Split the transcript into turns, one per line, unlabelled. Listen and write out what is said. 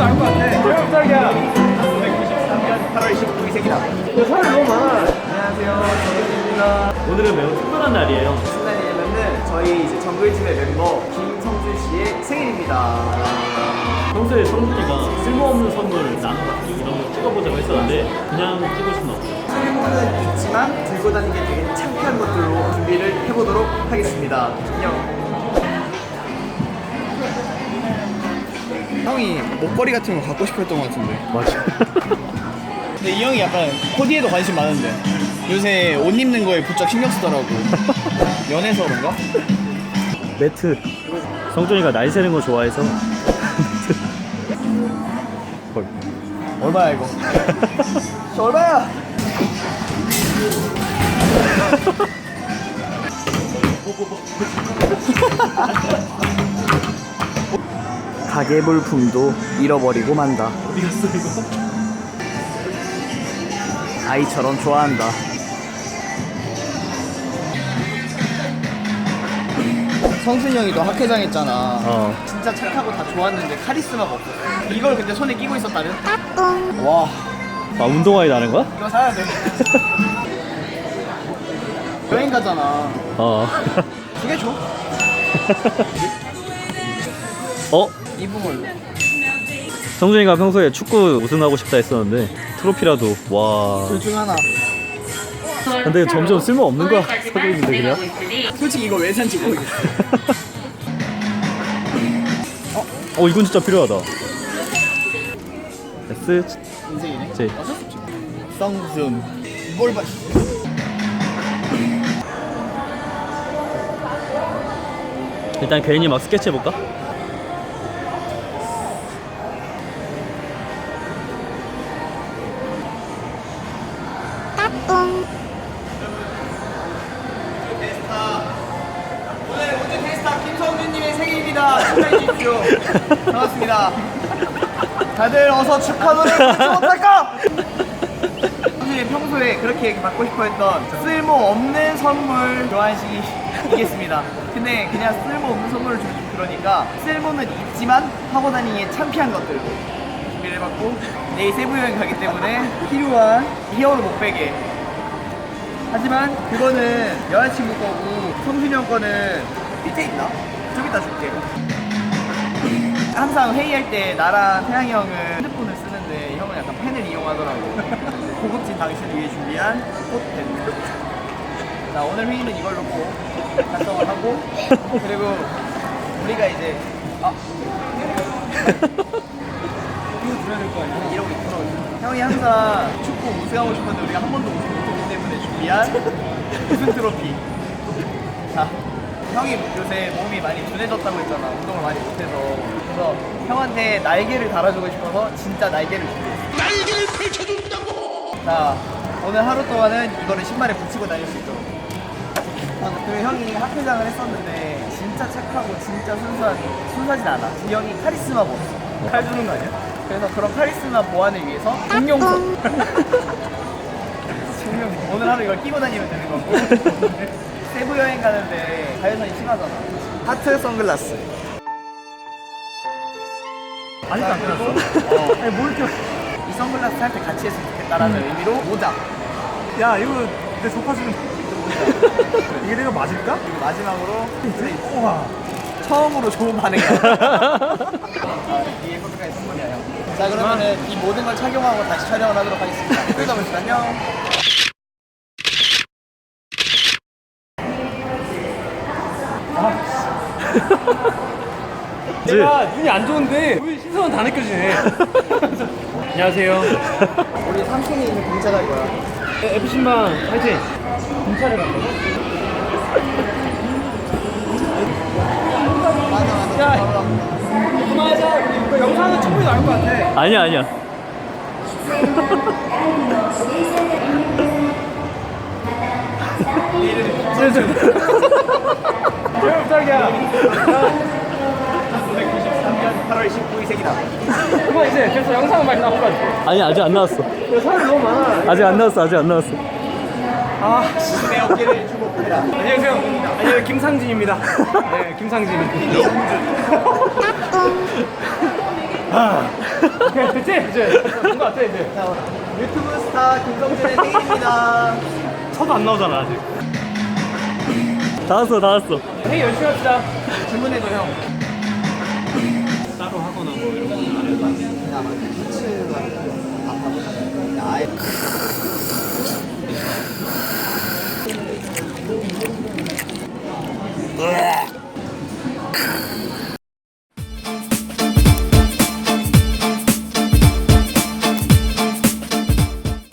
나올 것 같아. 몇 살이야?
1993년 8월 19일 생이다.
사람이 너무 많아.
안녕하세요, 정글입니다.
오늘은 매우 특별한 날이에요.
무슨 날이냐면은 저희 이제 정글팀의 멤버 김성준 씨의 생일입니다.
평소에 성준이가 쓸모없는 선물 나눠받기 이런 거 찍어보자고 했었는데 그냥 찍을 수는 없어요.
쓸모는 있지만 들고 다니기 되게 창피한 것들로 준비를 해보도록 하겠습니다. 안녕. 형이 목걸이 같은 거 갖고 싶었던 것 같은데.
맞아.
근데 이 형이 약간 코디에도 관심 많은데 요새 옷 입는 거에 부쩍 신경 쓰더라고. 연애서 그런가?
매트. 성준이가 날 새는 거 좋아해서 헐.
얼마야 이거? 얼마야? 가계 물품도 잃어버리고 만다.
어디 갔어 이거?
아이처럼 좋아한다. 성순이 형이 너 학회장 했잖아. 진짜 착하고 다 좋았는데 카리스마가 없었어. 이걸 근데 손에 끼고 있었다면? 와,
아 운동화에 나는 거야?
이거 사야 돼. 여행 가잖아. 두 개 줘. 입은 걸로.
성준이가 평소에 축구 우승하고 싶다 했었는데 트로피라도 와.
둘 중 하나.
근데 점점 쓸모 없는 거야 사고 있는데 그냥.
솔직히 이거 왜 산지 모르겠어.
이건 진짜 필요하다. S
인생이네.
J.
어쩔 수 없지. 성순. 뭘 봐.
일단 괜히 막 스케치 해볼까?
오늘 우주 페스타 김성준님의 생일입니다. 축하해 주십시오. 반갑습니다. 다들 어서 축하 노래 부르지 못할까? 성준이 평소에 그렇게 받고 싶어했던 쓸모없는 선물 교환식이겠습니다. 근데 그냥 쓸모없는 선물을 주면 좀 그러니까 쓸모는 있지만 하고 다니기에 창피한 것들 준비를 해봤고 내일 세부 여행 가기 때문에 필요한 히어로 목베개. 하지만 그거는 여자친구 거고 성준이 형 거는 밑에 있나? 좀 이따 줄게. 항상 회의할 때 나랑 태양이 형은 핸드폰을 쓰는데 형은 약간 펜을 이용하더라고. 고급진 당신을 위해 준비한 꽃펜. 자, 오늘 회의는 이걸로 꼭 달성을 하고 그리고 우리가 이제 이거 줘야 될 거 아니야? 이러고 있더라고. 형이 항상 축구 우승하고 싶었는데 우리가 한 번도 우승 못했기 때문에 준비한 우승 트로피. 자, 형이 요새 몸이 많이 둔해졌다고 했잖아. 운동을 많이 못해서. 그래서 형한테 날개를 달아주고 싶어서 진짜 날개를 준비했어. 날개를 펼쳐준다고! 자, 오늘 하루 동안은 이거를 신발에 붙이고 다닐 수 있도록. 그 형이 학회장을 했었는데 진짜 착하고 진짜 순수하진 않아. 이 형이 카리스마가 없어. 칼 주는 거 아니야? 그래서 그런 카리스마 보완을 위해서 공룡손. 오늘 하루 이걸 끼고 다니면 되는 거고. 세부 여행 가는데 자외선이 심하잖아. 하트 선글라스.
아직도 안 끝났어?
아니 뭘 이렇게 이 선글라스 할 때 같이 했으면 좋겠다라는 의미로 모자.
야 이거 내 소파주는 이게 내가 맞을까?
그리고 마지막으로
우와.
처음으로 좋은 반응이야. 이게 포토카의 선물이야 형. 자 그러면은 이 모든 걸 착용하고 다시 촬영을 하도록 하겠습니다. 그러다 보시면 안녕.
내가 눈이 안 좋은데 우리 신선은 다 느껴지네. 안녕하세요.
우리 3층에 있는 공차 갈 거야.
FC만 파이팅. 공차를 간다고?
맞아.
그만하자. 우리 영상은 충분히 나올 것 같아.
아니야.
몇 살이야?
1993년 8월 19일 생이다.
그만 이제 그래서 영상은 많이 나올 것 같아.
아니 아직 안 나왔어.
사람이 너무 많아.
아직 안 나왔어.
내 어깨를 주목해라.
안녕하세요. 안녕하세요. 김상진입니다. 네, 김상진. 오케이, 됐지? 이제 된거 같아 이제.
자, 유튜브 스타 김성준의 생일입니다.
쳐도 안 나오잖아 아직. 다 왔어.
회의 열심히 합시다.
주문해도 형.
따로 하거나 뭐 이런 거는 안 해도 돼.
야, 맞아. 피츠가 밥하고 야, 아예. 으악.